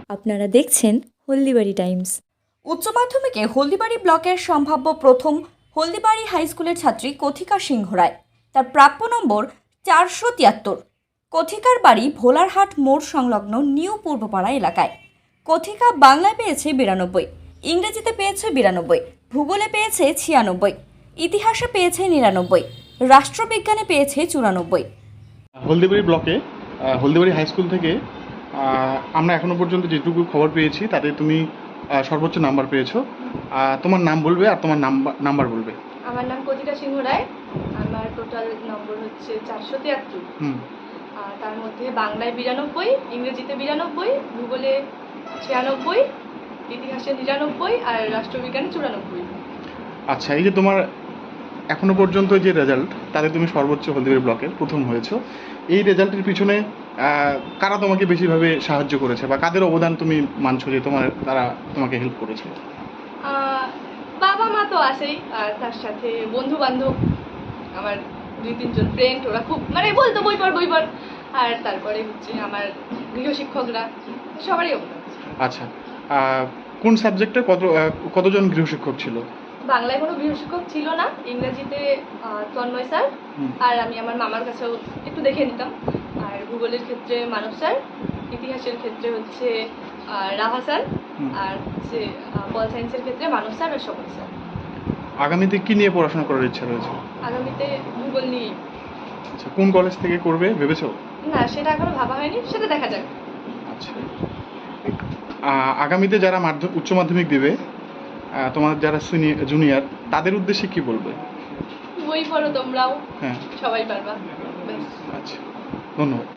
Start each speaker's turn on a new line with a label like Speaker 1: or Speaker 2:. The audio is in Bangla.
Speaker 1: আপনারা দেখছেন হলদিবাড়ি টাইমস।
Speaker 2: উচ্চ মাধ্যমিকে হলদিবাড়ি ব্লকের সম্ভাব্য প্রথম হলদিবাড়ি হাই স্কুলের ছাত্রী কথিকা সিংহ রায়। তার প্রাপ্য নম্বর 473। কথিকার বাড়ি ভোলারহাট মোড় সংলগ্ন নিউ পূর্বপাড়া এলাকায়। কথিকা বাংলায় পেয়েছে 92, ইংরেজিতে পেয়েছে 92, ভূগোলে পেয়েছে 96, ইতিহাসে পেয়েছে 99, রাষ্ট্রবিজ্ঞানে পেয়েছে 94।
Speaker 3: হলদিবাড়ি ব্লকে হলদিবাড়ি হাই স্কুল থেকে আমরা এখনো পর্যন্ত যেটুকু খবর পেয়েছি তাতে তুমি সর্বোচ্চ নাম্বার পেয়েছো। তোমার নাম বলবে আর তোমার নাম্বার বলবে।
Speaker 4: আমার নাম কথিকা সিংহ রায়। আমার টোটাল নম্বর হচ্ছে 473। তার মধ্যে বাংলায় 92, ইংরেজিতে 92, ভূগোলে 96, ইতিহাসে 99 আর রাষ্ট্রবিজ্ঞানে 94।
Speaker 3: আচ্ছা, এই যে তোমার এখনো পর্যন্ত যে রেজাল্ট তাতে তুমি সর্বোচ্চ হলদিবাড়ি ব্লকের প্রথম হয়েছো, এই রেজাল্টের পিছনে কারা তোমাকে বেশিভাবে সাহায্য করেছে বা কাদের অবদান তুমি মানছো যে তারা তোমাকে হেল্প করেছে?
Speaker 4: বাবা মা তো আছেই, আর তার সাথে বন্ধু বান্ধব, আমার 2-3 জন ফ্রেন্ড, ওরা খুব বলতো বই পড়। আর তারপরে হচ্ছে আমার গৃহশিক্ষকরা, সবারই অবদান।
Speaker 3: আচ্ছা, কোন সাবজেক্টে কতজন গৃহশিক্ষক ছিল?
Speaker 4: বাংলায় কোনো গৃহশিক্ষক ছিল না, ইংরেজিতে তন্ময় স্যার, আর আমি আমার মামার কাছেও একটু দেখে নিতাম। আর ভূগোলের ক্ষেত্রে মানব স্যার, ইতিহাসের ক্ষেত্রে হচ্ছে রাভা স্যার, আর হচ্ছে পল সায়েন্সের ক্ষেত্রে মানব স্যার আর স্বপন স্যার।
Speaker 3: আগামীতে কি নিয়ে পড়াশোনা করার ইচ্ছা রয়েছে?
Speaker 4: আগামীতে ভূগোল নিয়ে।
Speaker 3: আচ্ছা, কোন কলেজ থেকে করবে ভেবেছো?
Speaker 4: না, সেটা এখনো ভাবা হয়নি, সেটা দেখা যাক।
Speaker 3: আচ্ছা, আগামীতে যারা উচ্চ মাধ্যমিক দেবে, তোমার যারা জুনিয়র, তাদের উদ্দেশ্যে কি বলবে?
Speaker 4: বই পড়ো তোমরাও,
Speaker 3: হ্যাঁ,
Speaker 4: সবাই পারবা।
Speaker 3: আচ্ছা, ধন্যবাদ।